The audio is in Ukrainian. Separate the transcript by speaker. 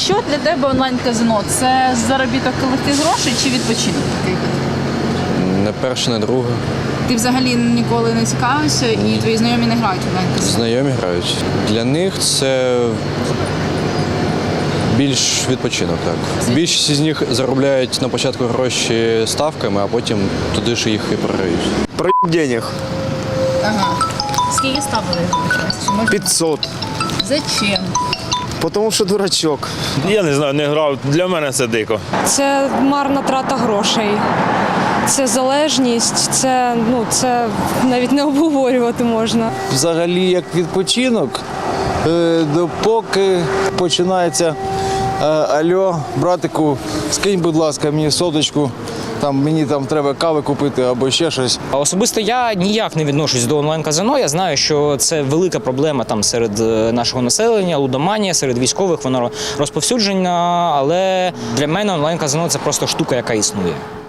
Speaker 1: Що для тебе онлайн-казино? Це заробіток легких грошей чи відпочинок такий?
Speaker 2: Не перше, не друге.
Speaker 1: Ти взагалі ніколи не цікавився і твої знайомі не грають в онлайн-казино?
Speaker 2: Знайомі грають. Для них це більш відпочинок, так. Більшість з них заробляють на початку гроші ставками, а потім туди ж їх і програють.
Speaker 3: Проеб денег.
Speaker 1: Ага. Скільки ставили?
Speaker 3: 500.
Speaker 1: Зачем?
Speaker 3: Потому що дурачок.
Speaker 4: Я не знаю, не грав. Для мене це дико.
Speaker 5: Це марна трата грошей, це залежність, це навіть не обговорювати можна.
Speaker 6: Взагалі як відпочинок, допоки починається алло, братику, скинь, будь ласка, мені соточку, мені треба кави купити або ще щось.
Speaker 7: Особисто я ніяк не відношусь до онлайн-казино. Я знаю, що це велика проблема серед нашого населення, лудоманія, серед військових, воно розповсюджена, але для мене онлайн-казино – це просто штука, яка існує.